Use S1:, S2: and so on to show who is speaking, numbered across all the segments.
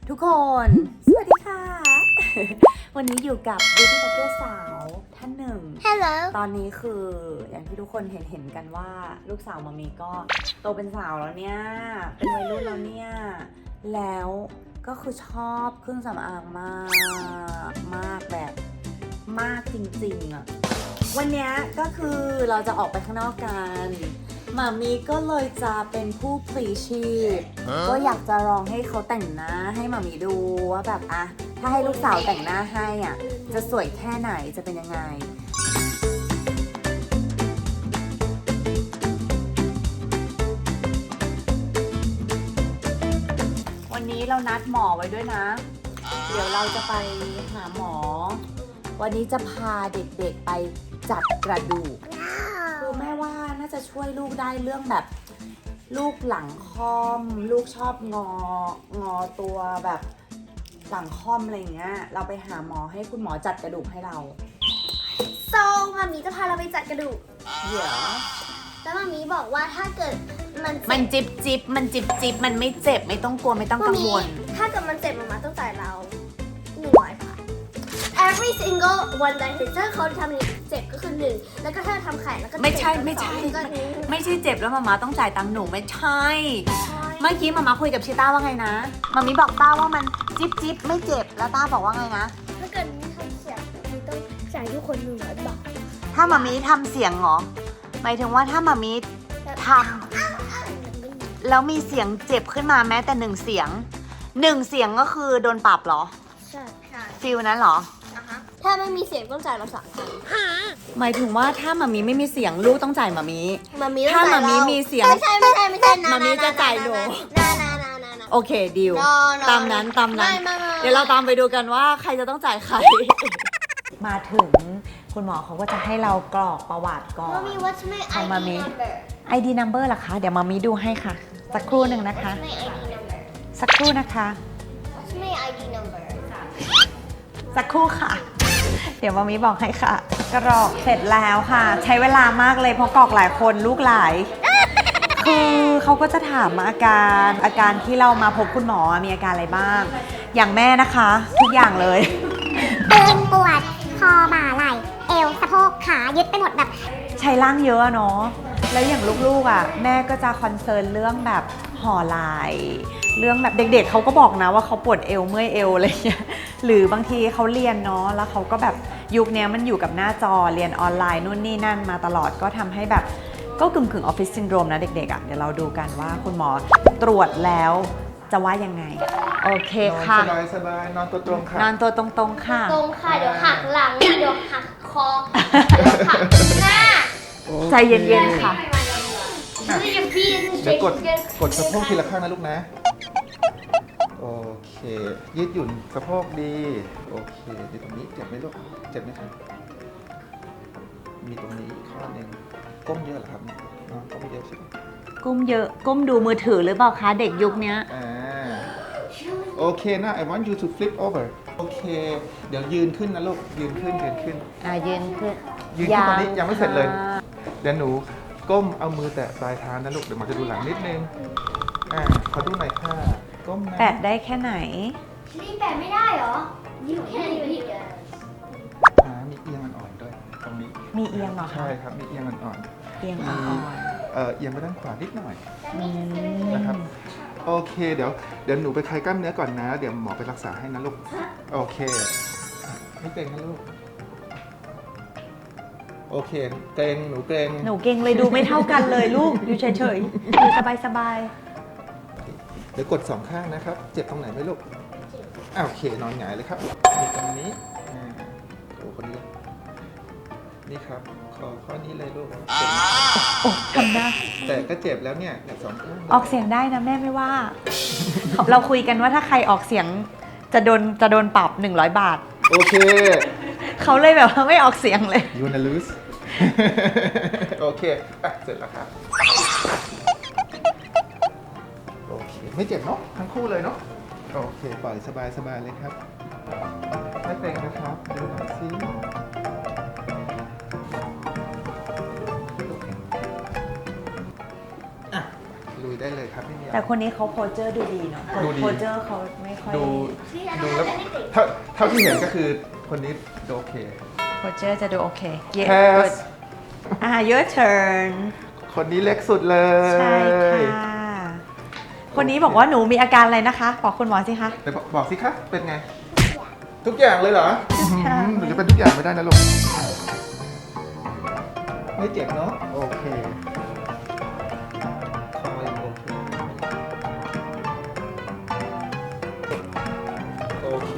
S1: ทุกคนสวัสดีค่ะ วันนี้อยู่กับบิวตี้บล็อกเกอร์สาวท่านหนึ่ง
S2: Hello
S1: ตอนนี้คืออย่างที่ทุกคนเห็นกันว่าลูกสาวมามีก็โตเป็นสาวแล้วเนี่ยเป็นวัยรุ่นแล้วเนี่ยแล้วก็คือชอบเครื่องสำอางมากแบบมากจริงๆอะวันนี้ก็คือเราจะออกไปข้างนอกกันหมามีก็เลยจะเป็นผู้พลีชีพก็อยากจะลองให้เขาแต่งหน้าให้หมามีดูว่าแบบอะถ้าให้ลูกสาวแต่งหน้าให้อ่ะจะสวยแค่ไหนจะเป็นยังไงวันนี้เรานัดหมอไว้ด้วยนะเดี๋ยวเราจะไปหาหมอวันนี้จะพาเด็กๆไปจัดกระดูกคือแม่ว่าน่าจะช่วยลูกได้เรื่องแบบลูกหลังค่อมลูกชอบงอตัวแบบหลังค่อมอะไรอย่างเงี้ยเราไปหาหมอให้คุณหมอจัดกระดูกให้เรา
S2: มามีจะพาเราไปจัดกระดูก
S1: เดี๋ยว
S2: แล้วมามีบอกว่าถ้าเกิดมัน
S1: มันจิบมันมันไม่เจ็บไม่ต้องกลัวไม่ต้องกังวล
S2: ถ้าเกิดมันเจ็บมาต้องจ่ายเรา100 บาท every single one that ถ้าเขาทำนี้เจ็บก็คือ1แล้วก็ถ้าทำไข่แล้วก็
S1: ไม่ใช่
S2: เจ็บ
S1: ไม่ใช่
S2: ก็1
S1: ไม่ใช่เจ็บแล้วมาม่าต้องจ่ายตังค์หนูไม่ใช่ เมื่อกี้มาม่าคุยกับชิต้าว่าไงนะมามิบอกต้าว่ามันจิบไม่เจ็บแล้วต้าบอกว่าไงนะ
S2: ถ้าเกิดมีทำเสียงมีต้องจ่ายทุกคน100 บาท
S1: ถ้ามามิทำเสียงเหรอหมายถึงว่าถ้ามามิทำแล้วมีเสียงเจ็บขึ้นมาแม้แต่1 เสียง1 เสียงก็คือโดนปรับเหรอ
S2: ใช่ค่ะ
S1: ฟิลนั้นเหรอ
S2: ถ้าไม่มีเสียงต้องจ่ายเรา3,000
S1: หมายถึงว่าถ้ามามิไม่มีเสียงลูกต้องจ่ายมามิ
S2: มามี
S1: ถ้ามามิมีเสียง
S2: ไม่ใช่
S1: มามีจะจ่ายหนู โอเคดิว
S2: No, no,
S1: ตามนั้นตามนั้น
S2: ไม่
S1: เดี๋ยวเราตามไปดูกันว่าใครจะต้องจ่ายใคร มาถึงคุณหมอเขาก็จะให้เรากรอกประวัติก่อน
S2: มามี what's my
S1: ของ
S2: ID
S1: มามิ
S2: number
S1: ID number ล่ะคะเดี๋ยวมามิดูให้ค่ะ สักครู่หนึ่งนะคะ
S2: What's my ID number
S1: สักครู่นะคะ
S2: What's my ID number
S1: สักครู่ค่ะ เดี๋ยวมามิบอกให้ค่ะ กรอกเสร็จแล้วค่ะ ใช้เวลามากเลยเพราะกรอกหลายคนลูกหลาย คือเขาก็จะถามอาการที่เรามาพบคุณหมอมีอาการอะไรบ้าง อย่างแม่นะคะ ทุกอย่างเลย
S3: ตึงปวดคอบ่าไหล่เอวสะโพกขายึดไปหมดแบบ
S1: ใช้ร่างเยอะอะเนาะแล้วอย่างลูกๆอ่ะแม่ก็จะคอนเซิร์นเรื่องแบบห่อไหล่เรื่องแบบเด็กๆเขาก็บอกนะว่าเขาปวดเอวเมื่อยเอวอะไรเงี้ยหรือบางทีเขาเรียนเนาะแล้วเขาก็แบบยุคนี้มันอยู่กับหน้าจอเรียนออนไลน์นู่นนี่นั่นมาตลอดก็ทำให้แบบก็กึ่งออฟฟิศซินโดรมนะเด็กๆอ่ะเดี๋ยวเราดูกันว่าคุณหมอตรวจแล้วจะว่ายังไงโอเคค่ะ
S4: สบายนอนตัวตรงค่ะ
S1: นอนตัวตรงๆค่ะ
S2: ตรงค่ะ เดี๋ยวหักหลัง เดี๋ยวหักคอ เดี๋ยวหักหน้า
S1: ใจเย็นๆค่ะ
S2: นี่จะพี่
S4: เดี๋ยวกดสะโพกทีละข้างนะลูกนะ โอเค ยืดหยุ่นสะโพกดี โอเคอยู่ตรงนี้เจ็บไหมลูก เจ็บไหมครับ มีตรงนี้อีกข้อหนึ่งก้มเยอะเหรอครับน้องก้มเยอะใช่ไหม
S1: ก้มเยอะก้มดูมือถือหรือเปล่าคะเด็กยุคนี้
S4: โอเคนะ I want you to flip over โอเค เดี๋ยวยืนขึ้นนะลูก ยืนขึ้น
S1: ยืนขึ้น
S4: ยืนขึ้นตอนนี้ยังไม่เสร็จเลย เดี๋ยวหนูก้มเอามือแตะปลายเท้านะลูก เดี๋ยวหมอจะดูหลังนิดนึง ขอดูหน่อยค่ะ ก้มนะ
S1: แปะได้แค่ไหน
S2: นี่แปะไม่ได้เหรอ You can't even do that
S4: มีเอียงอ่อนๆด้วย ตรงนี้
S1: มีเอียงเหรอคะ
S4: ใช่ครับ มีเอียงอ่อน
S1: เอียง
S4: ๆ
S1: อ่
S4: มี
S1: อน
S4: เอียงไปด้านขวานิดหน่อย
S1: ๆอืม
S4: นะครับ โอเค เดี๋ยวหนูไปคลายกล้ามเนื้อก่อนนะ เดี๋ยวหมอไปรักษาให้นะลูก โอเคไม่เกร็งนะลูก โอเค เกร็ง หนูเกร็ง
S1: หนูเก่งเลยดูไม่เท่ากันเลยลูก อยู่เฉยๆอยู่สบาย
S4: เดี๋ยวกด2 ข้างนะครับ เจ็บตรงไหนไหมลูกโอเค นอนหงายเลยครับ มีตรงนี้โอ้คนนี้นี่ครับ ข้อนี้เลยลูกเจ็บไหม
S1: ๆโอ้ทำได้
S4: แต่ก็เจ็บแล้วเนี่ยสองข้าง
S1: ออกเสียงได้นะแม่ไม่ว่า เราคุยกันว่าถ้าใครออกเสียงจะโดนปรับ100 บาท
S4: โอเค
S1: เขาเลยแบบว่าไม่ออกเสียงเลย
S4: you wanna lose โอเคเสร็จแล้วครับ โอเค ไม่เจ็บเนาะ ทั้งคู่เลยเนาะ โอเค ปล่อยสบายเลยครับ ไม่เกร็งนะครับ ดูหน่อยสิลุยได้ได้เลยครับไม่มีอะไร
S1: แต่คนนี้เขาโพสเจอร์ดูดีเนาะ
S4: ดูดี
S1: โพสเจอร์เขาไม่ค่อย
S4: ดูแล้วเท่าที่เห็นก็คือคนนี้ดูโอเค
S1: โพสเจอร์จะดูโอเค
S4: Pass
S1: your turn
S4: คนนี้เล็กสุดเลย
S1: ใช่ค่ะ คนนี้บอกว่าหนูมีอาการอะไรนะคะ บอกคุณหมอสิคะ
S4: เดี๋ยวบอกสิคะเป็นไง ทุกอย่างเลยเหรอ
S1: ทุกอย่าง
S4: หนูจะเป็นทุกอย่างไม่ได้นะลูกไม่เจ็บเนาะโอเคคอยังโอเคโอเค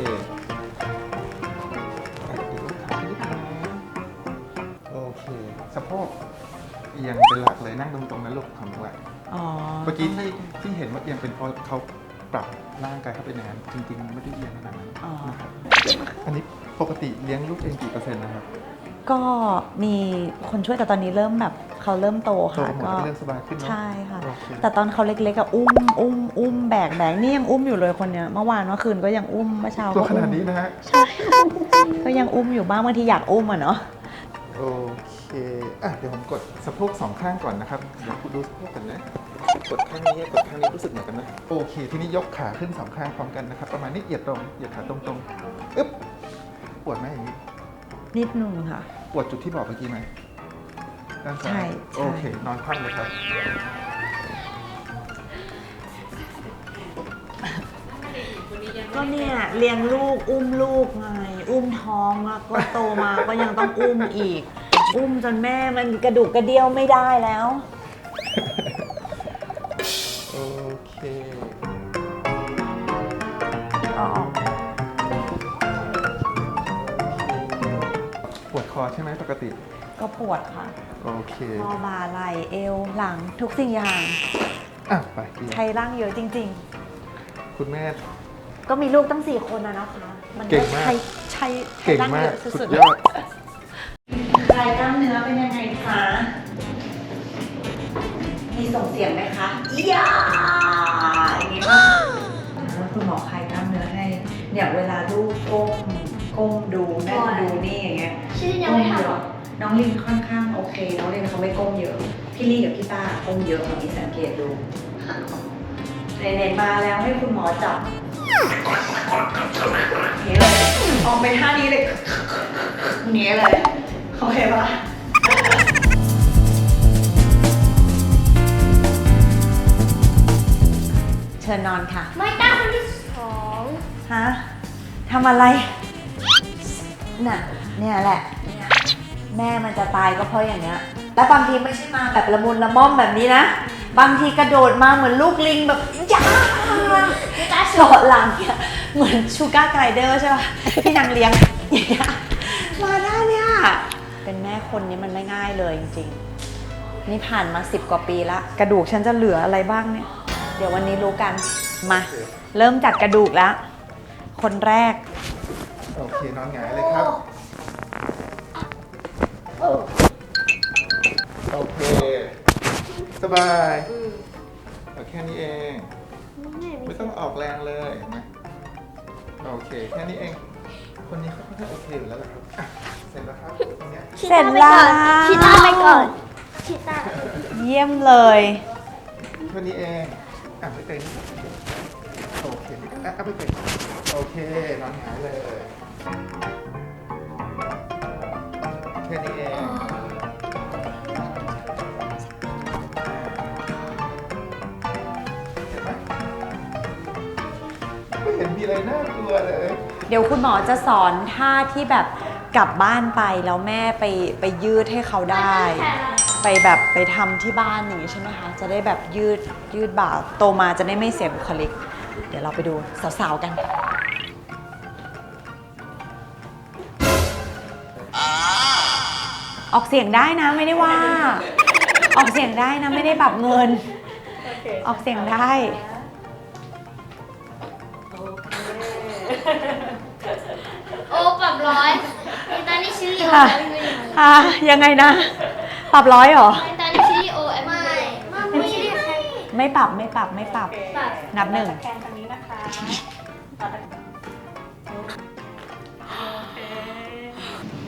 S4: อ่ะเดี๋ยวขานิดนึงนะโอเคสะโพกเอียงเป็นหลักเลยนั่งตรงๆนะลูกทำไว้
S1: อ๋อ
S4: เมื่อกี้ที่เห็นว่าเอียงเป็นเพราะเขาปรับร่างกายเข้าไปในนั้นจริงๆไม่ได้เอียงขนาดนั้น
S1: อ๋อ
S4: นะครับอันนี้ปกติเลี้ยงลูกเองกี่เปอร์เซ็นต์นะครับ
S1: ก็มีคนช่วยแต่ตอนนี้เริ่มแบบเขาเริ่มโต
S4: โต
S1: ค่ะ
S4: หมด
S1: ก็
S4: ก็เรื่องสบายขึ้นเนาะ
S1: ใช่ค่ะ
S4: โอเค
S1: แต่ตอนเขาเล็กๆอะอุ้มแบกนี่ยังอุ้มอยู่เลยคนเนี้ยเมื่อวานเมื่อคืนก็ยังอุ้มเมื่อเช้า
S4: ตัว
S1: ก็
S4: ขนาดนี้นะฮะ
S1: ก็ยังอุ้มอยู่บ้างบางทีอยากอุ้มอะเนาะ
S4: โอเคอ่ะเดี๋ยวผมกดสะโพกสองข้างก่อนนะครับเดี๋ยวคุณดูสะโพกกันนะกดข้างนี้กดข้างนี้รู้สึกเหมือนกันนะโอเค ทีนี้ยกขาขึ้นสองข้างพร้อมกันนะครับประมาณนี้เหยียดตรงเหยียดขาตรงๆอึ๊บปวดไหมอย่างนี้
S1: นิดนึงค่ะ
S4: ปวดจุดที่บอกเมื่อกี้ไหมด้านซ้า
S1: ใช่
S4: ย
S1: ใช่
S4: โอเค นอนคว่ำเลยครับ
S1: ก็เนี่ยเลี้ยงลูกอุ้มลูกไงอุ้มท้องแล้วก็โตมาก็ยังต้องอุ้มอีก อุ้มจนแม่มันกระดูกกระเดี่ยวไม่ได้แล้ว
S4: โอเค
S1: อ๋อ
S4: ปวดคอใช่ไหมปกติ
S1: ก็ปวดค่ะ
S4: โอเค
S1: คอบ่าไหล่เอวหลังทุกสิ่งอย่าง
S4: อ่ะไปดี
S1: ใช้ร่างเยอะจริง
S4: คุณแม่
S1: ๆ ก็มีลูกตั้ง4 คนนะคะมัน
S4: เก่งมาก
S1: ใช้
S4: เก่ง
S1: ร่าง
S4: มา
S1: เย
S4: ก
S1: อะ
S4: สุ
S1: สุ
S4: ด
S1: ด
S4: ยอด
S1: ๆคลายกล้ามเนื้อเป็นยังไงคะมีส่งเสียงไหมคะอียาอย่างนี้ป่ะแล้วคุณหมอคลายกล้ามเนื้อให้เนี่ยเวลาลูกก้มดูนั่งดูนี่อย่างเงี้ย
S2: ชื่อยังไม่ทำหรอ
S1: น้องลินค่อนข้างโอเค น้องลินเขาไม่ก้มเยอะ พี่ลี่กับพี่ต้าก้มเยอะเรามีสังเกตดูไหนๆมาแล้วให้คุณหมอจับนี้เลยออกไปท่านี้เลยนี้เลยโอเคปะเชิญนอนค่ะ
S2: ไม่ตั้งคนที่สอง
S1: ฮะทำอะไร น่ะ เนี่ยแหละ แม่มันจะตายก็เพราะอย่างเนี้ย แล้วบางทีไม่ใช่มาแบบละมุนละม่อมแบบนี้นะ บางทีกระโดดมาเหมือนลูกลิงแบบย่าเกาะหลังเนี่ยเหมือนชูการ์ไกรเดอร์ใช่ป่ะที่นางเลี้ยงอย่างเงี้ยมาได้เนี่ย เป็นแม่คนนี้มันไม่ง่ายเลยจริงๆ นี่ผ่านมา10 กว่าปีละ กระดูกฉันจะเหลืออะไรบ้างเนี่ย เดี๋ยววันนี้รู้กัน มา เริ่มจากกระดูกแล้ว คนแรก
S4: โอเค นอนหงายเลยครับ โอเค สบายเอาแค่นี้เอง ไม่ต้องออกแรงเลยเห็นไหมโอเค แค่นี้เอง คนนี้เขาค่อนข้างโอเคอยู่แล้วแหละครับอ่ะเสร็จแล้วครับตรงเนี้ย
S1: เสร็จแล้ว
S2: ชิต้าไปก่อนชิต้า
S1: เยี่ยมเลย
S4: แค่นี้เองอ่ะไม่เต็มโอเคอ่ะไม่เต็มโอเค นอนหงายเลย แค่นี้เองเห็นไหมไม่เห็นมีอะไรน่ากลัวเลย
S1: เดี๋ยวคุณหมอจะสอนท่าที่แบบกลับบ้านไปแล้วแม่ไปยืดให้เขาได้ ไปแบบไปทำที่บ้านอย่างนี้ใช่ไหมคะ จะได้แบบยืดบ่าโตมาจะได้ไม่เสียบุคลิก เดี๋ยวเราไปดูสาวๆกัน ออกเสียงได้นะไม่ได้ว่า ออกเสียงได้นะไม่ได้แบบเงิน ออกเสียงได้
S2: โอ้ปรับร้อยตอนนี้ชื่อโอ
S1: ค่ะ ยังไงนะ ปรับ100เหรอ
S2: ตอนนี้ชื่อโอไม่ไม่ใช่
S1: ไม่ปรับ
S2: ปรับ
S1: นับหนึ่ง
S5: แทนคนนี้นะคะต่อจาก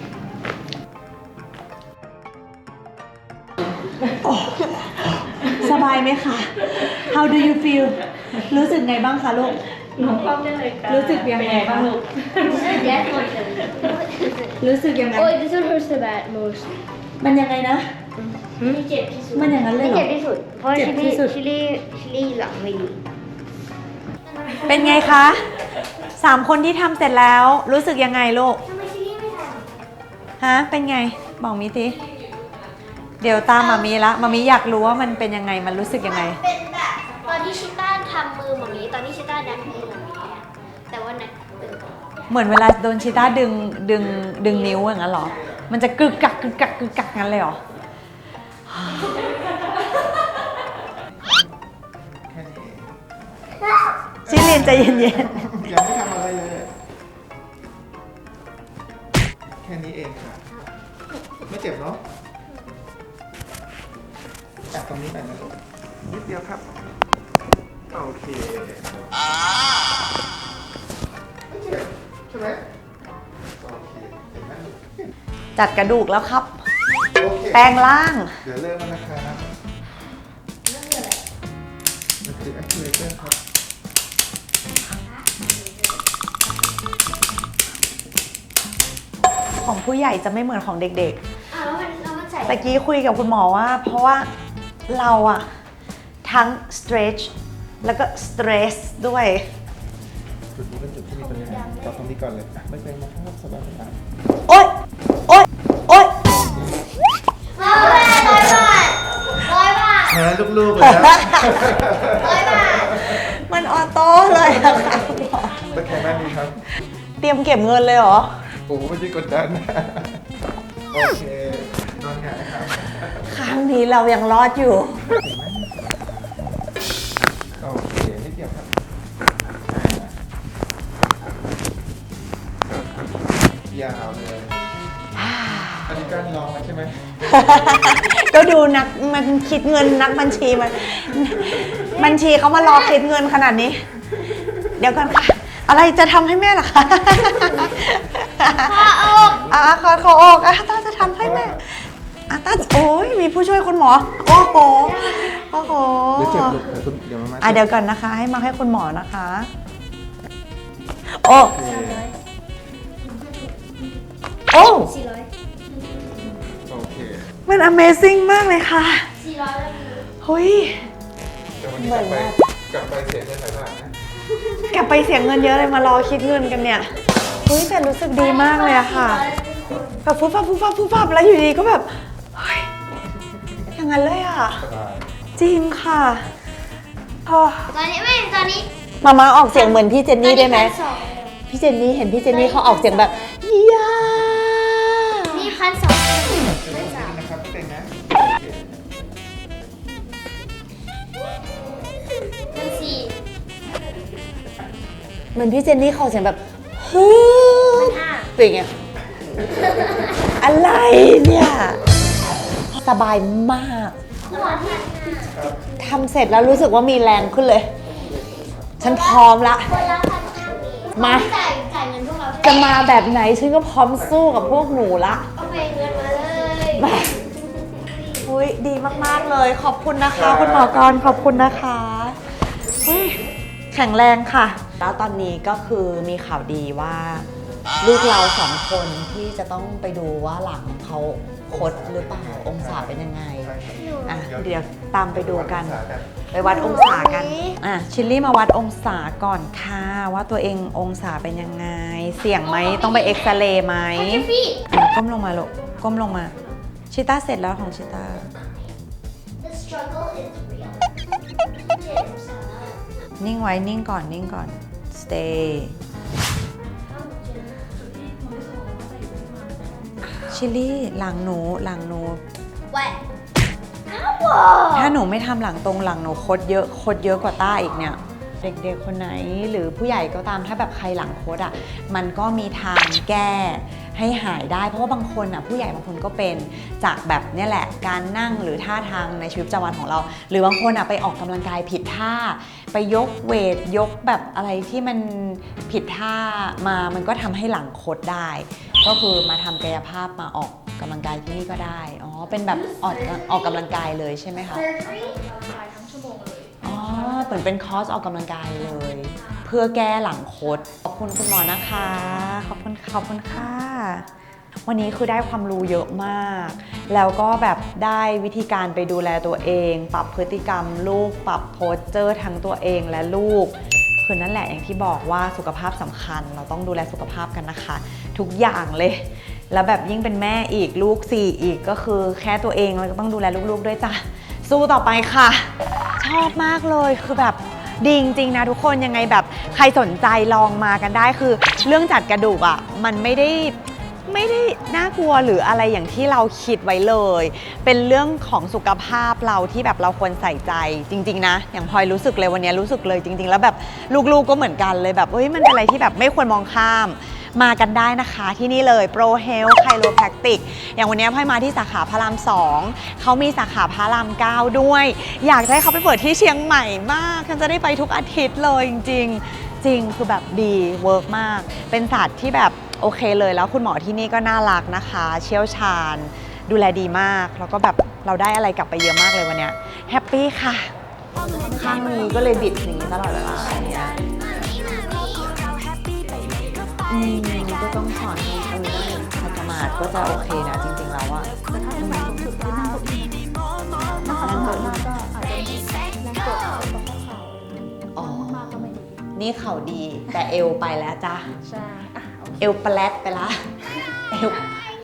S5: โอเค
S1: สบายไหมคะ How do you feel รู้สึกไงบ้างคะลูก
S5: หนูเข้าได้เลยค่ะ
S1: รู้สึกยังไงบ้าง
S5: ลูก
S2: That one.
S1: รู้สึกยังไง
S2: Oh, this one hurts the bad most.
S1: มันยังไงนะ
S2: ไม่เจ็บที่สุด
S1: มันอย่างนั้นเลยเหรอ
S2: ไม่เจ็บที่สุด เพราะ
S1: เจ็บที่สุด
S2: ชิลี่หลังไม่ดี
S1: เป็นไงคะ3 คนที่ทำเสร็จแล้วรู้สึกยังไงลูก
S2: ทำไมชิลี่ไม่ท
S1: ฮะ เป็นไง บอกมิสิเดี๋ยวตามมามีละมามีอยากรู้ว่ามันเป็นยังไง มันรู้สึกยังไง
S2: ำเป็นแบบตอนที่ชิต้าทำมือแบบนี้ ตอนที่ชิต้าดันมือแบบนี้อะแต่ว่านักตึง
S1: เหมือนเวลาโดนชิต้าดึงนิ้วอย่างนั้นเหรอ มันจะกึกกักกึกกักกึกกักงั้นเลยเหรอ
S4: แค่นี้เอง
S1: ชิลินใจเย็น
S4: ยังไม่ทำอะไรเลย แค่นี้เองค่ะ ไม่เจ็บเนาะแอบตรงนี้หน่อยนะลูกนิดเดียวครับ โอเคใช่ไหมโอเคเห็นไหม
S1: ๆ จัดกระดูกแล้วครับ
S4: โอเค
S1: แปลงร่าง
S4: เดี๋ยวเริ่มแล้วนะครับมันคือ activator ครับ
S1: ของผู้ใหญ่จะไม่เหมือนของเด็ก
S2: แล้วมันใส่
S1: ๆตะกี้คุยกับคุณหมอว่า เพราะว่าเราอะทั้ง stretch แล้วก็ stress ด้วย
S4: จุดนี้เป็นจุดที่มีปัญหาเราตรงนี้ก่อนเลยอ่ะไม่เป็นนะครับสบายสบาย
S1: โอ๊ย โอ๊ย โอ๊ย
S2: 100 บาท
S4: แพ้ลูกๆเลยนะ
S2: 100 บาท
S1: มันออโต้เลยอะค่ะคุณหมอ
S4: ตะแคงด้านนี้ครับ
S1: เตรียมเก็บเงินเลยเหรอ
S4: โอ้ไม่ใช่กดดันโอเคนอนหงายครับ
S1: ครั้งนี้เรายังรอดอยู่
S4: โอเคนิดเดียวครับยาวเลยอันนี้การลองแล้วใช่ไหม
S1: ก็ดูนักมันคิดเงินนักบัญชีมันบัญชีเขามารอคิดเงินขนาดนี้ เดี๋ยวก่อนค่ะ อะไรจะทำให้แม่ล่ะคะขออกต้าจะทำให้แม่ต้าโอ้ยมีผู้ช่วยคุณหมอ โอ้โห โอ้โห
S4: เดี๋ยวเจ็บลูกเดี๋ยวมา
S1: เดี๋ยวก่อนนะคะ ให้มาให้คุณหมอนะคะ โอ้
S4: โอเค
S1: โอ้
S2: 400
S4: โอเค
S1: มัน Amazing มากเลยค่ะ
S2: 400แล้วมี
S1: เฮ้ย
S4: เดี๋ยววันนี้กลับไปเสียเงินหลายบาทนะ
S1: กลับไปเสียเงินเยอะเลยมารอคิดเงินกันเนี่ย เฮ้ยแต่รู้สึกดีมากเลยอะค่ะ แบบฟุบฟับฟุบฟับฟุบฟับแล้วอยู่ดีก็แบบ เฮ้ย อย่างนั้นเลยอะ
S4: สบาย
S1: จริงค่ะพอ
S2: ตอนนี้
S1: มาออกเสียงเหมือนพี่เจนนี่ได้ไหม
S2: 1,200
S1: พี่เจนนี่เห็นพี่เจนนี่เขาออกเสียงแบบยา
S2: นี่1,200
S4: ไม่สามนะครับไม่เป็นนะโอเค
S1: เหมือนพี่เจนนี่เขาออกเสียงแบบฮึเป็นไงอะไรเนี่ย สบายมาก ทำเสร็จแล้วรู้สึกว่ามีแรงขึ้นเลย ฉันพร้อมละ
S2: คนละ1,500
S1: มา
S2: จ่ายเงินพวกเรา
S1: จะมาแบบไหนฉันก็พร้อมสู้กับพวกหนูละ
S2: โอเคเงินมาเลย
S1: มาอุ้ยดีมากๆเลย ขอบคุณนะคะ คุณหมอกรขอบคุณนะคะอุ้ยแข็งแรงค่ะ แล้วตอนนี้ก็คือมีข่าวดีว่า ลูกเรา2 คนที่จะต้องไปดูว่าหลังเขาคดหรือเปล่าองศาเป็นยังไงอ่ะเดี๋ยวตามไปดูกัน ไปวัดองศากันชิลลี่มาวัดองศาก่อนค่ะว่าตัวเององศาเป็นยังไง เสี่ยงไหมต้องไปเอ็กซเรย์ไหมก้มลงมาลูกก้มลงมาชิต้าเสร็จแล้วของชิต้า
S2: The struggle is real
S1: นิ่งไว้นิ่งก่อนนิ่งก่อน stay ชิลลี่หลังหนู
S2: แหวะ
S1: ถ้าหนูไม่ทำหลังตรงหลังหนูคดเยอะกว่าต้าอีกเนี่ย เด็กๆคนไหนหรือผู้ใหญ่ก็ตามถ้าแบบใครหลังคดอ่ะมันก็มีทางแก้ให้หายได้เพราะว่าบางคนอ่ะผู้ใหญ่บางคนก็เป็นจากแบบเนี่ยแหละการนั่งหรือท่าทางในชีวิตประจำวันของเรา หรือบางคนอ่ะไปออกกำลังกายผิดท่าไปยกเวทยกแบบอะไรที่มันผิดท่ามามันก็ทำให้หลังคดได้ ก็คือมาทำกายภาพมาออกกำลังกายที่นี่ก็ได้อ๋อเป็นแบบออกกำลังกายเลยใช่ไหมคะ
S5: ทั้งชั่วโมงเลย
S1: อ๋อเหมือนเป็นคอร์สออกกำลังกายเลย เพื่อแก้หลังคดขอบคุณคุณหมอนะคะขอบคุณค่ะ วันนี้คือได้ความรู้เยอะมาก แล้วก็แบบได้วิธีการไปดูแลตัวเอง ปรับพฤติกรรมลูก ปรับโพสเจอร์ทั้งตัวเองและลูก คือนั่นแหละอย่างที่บอกว่าสุขภาพสำคัญ เราต้องดูแลสุขภาพกันนะคะ ทุกอย่างเลย แล้วแบบยิ่งเป็นแม่อีกลูก4อีกก็คือแค่ตัวเองเราก็ต้องดูแลลูกๆด้วยจ้ะ สู้ต่อไปค่ะ ชอบมากเลยคือแบบดีจริงๆนะทุกคนยังไงแบบใครสนใจลองมากันได้คือเรื่องจัดกระดูกอ่ะมันไม่ได้น่ากลัวหรืออะไรอย่างที่เราคิดไว้เลย เป็นเรื่องของสุขภาพเราที่แบบเราควรใส่ใจจริงๆนะอย่างพลอยรู้สึกเลยวันนี้รู้สึกเลยจริงๆแล้วแบบลูกๆก็เหมือนกันเลยแบบเฮ้ยมันเป็นอะไรที่แบบไม่ควรมองข้ามมากันได้นะคะที่นี่เลย Pro Health Chiropractic อย่างวันนี้พลอยมาที่สาขาพระราม 2เขามีสาขาพระราม 9ด้วยอยากให้เขาไปเปิดที่เชียงใหม่มากฉันจะได้ไปทุกอาทิตย์เลยจริงๆจริงคือแบบดีเวิร์กมากเป็นศาสตร์ที่แบบโอเคเลยแล้วคุณหมอที่นี่ก็น่ารักนะคะเชี่ยวชาญดูแลดีมากแล้วก็แบบเราได้อะไรกลับไปเยอะมากเลยวันนี้แฮปปี้ค่ะข้างนี้ก็เลยบิดอย่างนี้ตลอดเวลาเนี่ยก็ต้องสอนให้ขัดสมาธิก็จะโอเคนะจริงๆแล้วอะแต่ถ้าเป็นแบบสุดๆนั่งกดนั่งกดมากก็อาจจะนั่งกดเอาตรงข้อเข่านั่งมากก็ไม่ดีนี่เข่าดีแต่เอวไปแล้วจ้ะใช่เอวแปลดไปละเอว